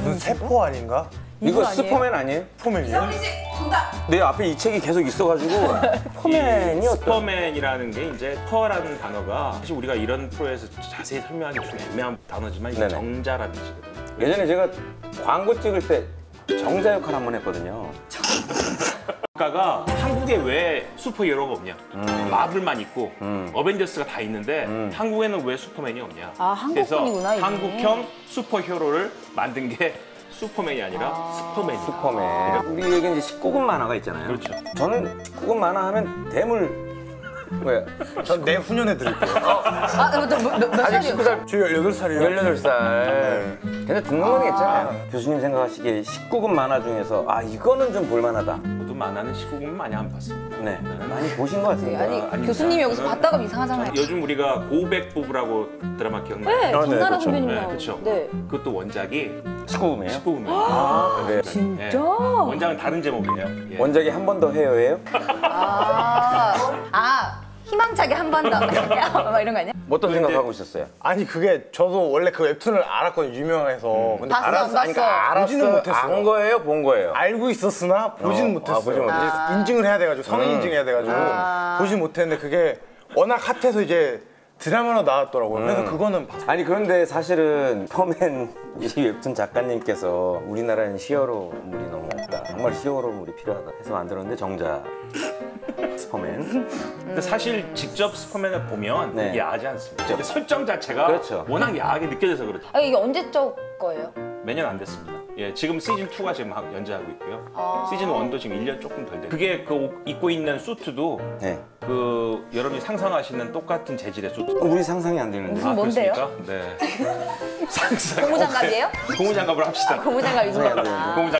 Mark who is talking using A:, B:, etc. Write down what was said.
A: 무슨 세포 아닌가?
B: 이거 슈퍼맨 아니에요?
A: 포맨이요?
C: 이상민 씨 정답.
B: 내 앞에 이 책이 계속 있어가지고 포맨이 어떤?
D: 슈퍼맨이라는 게 이제 퍼라는 단어가 사실 우리가 이런 프로에서 자세히 설명하기 좀 애매한 단어지만 이게
B: 네네.
D: 정자라는 뜻이거든요.
B: 예전에 제가 광고 찍을 때 정자 역할 한번 했거든요.
D: 국가가 한국에 왜 슈퍼히어로가 없냐? 마블만 있고 어벤져스가 다 있는데 한국에는 왜 슈퍼맨이 없냐?
E: 아, 한국뿐이구나,
D: 그래서
E: 이게.
D: 한국형 슈퍼히어로를 만든 게 슈퍼맨이 아니라 슈퍼맨이다.
B: 슈퍼맨. 우리에게 이제 19금 만화가 있잖아요.
D: 그렇죠.
B: 저는 19금 만화 하면 대물 왜?
A: 전 내후년에 드릴게요.
E: 아, 몇 살이요?
A: 19살, 저 18살이요.
B: 18살. 근데 듣는 건 괜찮아요. 교수님 생각하시기에 19금 만화 중에서 아 이거는 좀 볼만하다.
D: 저도 만화는 19금 많이 안 봤습니다.
B: 네, 많이 보신 것 같은데.
E: 아니,
D: 아닙니다.
E: 교수님이 여기서
D: 저는-
E: 봤다가 이상하잖아요.
D: 요즘 우리가 고백 부부라고 드라마 기억나요?
E: 네, 김나라
A: 그렇죠.
E: 선배님
D: 네,
E: 나오고.
D: 그렇죠.
E: 네.
D: 그것도 원작이
B: 19금이에요?
D: 19금이에요.
B: 아, 그래요?
E: 진짜?
D: 원작은 다른 제목이에요. 예.
B: 원작이 한 번 더 해요예요?
E: 희망차게 한 번 더. 막 이런 거 아니야?
B: 어떤 생각하고 있었어요?
A: 아니 그게 저도 원래 그 웹툰을 알았거든요, 유명해서. 근데
E: 봤어, 안 봤어?
A: 그러니까 보지는 못했어요.
B: 안 거예요? 본 거예요?
A: 알고 있었으나 보지는 못했어요.
B: 보진 못했어요.
A: 이제 인증을 해야 돼가지고 성인 인증해야 돼가지고 보진 못했는데 그게 워낙 핫해서 이제 드라마로 나왔더라고요. 그래서 그거는 봤어요.
B: 아니 그런데 사실은 슈퍼맨 이 웹툰 작가님께서 우리나라엔 히어로물이 너무 없다. 정말 히어로물이 필요하다 해서 만들었는데 정작 슈퍼맨.
D: 근데 사실 직접 슈퍼맨을 보면
B: 네.
D: 야하지 않습니다. 근데 설정 자체가
B: 그렇죠.
D: 워낙 야하게 느껴져서 그렇죠.
E: 아, 이게 언제적 거예요?
D: 매년 안 됐습니다. 예, 지금 시즌 2가 지금 연재하고 있고요.
E: 아.
D: 시즌 1도 지금 1년 조금 덜 됐어요. 그게 그 입고 있는 수트도
B: 네.
D: 그 여러분이 상상하시는 똑같은 재질의 수트.
B: 우리 상상이 안 되는데.
E: 무슨 뭔데요?
D: 그렇습니까? 네. 상상.
E: 고무장갑이에요?
D: 고무장갑을 합시다.
E: 고무장갑 입는
B: 네, 네,
E: 거구나.
D: 고무장갑.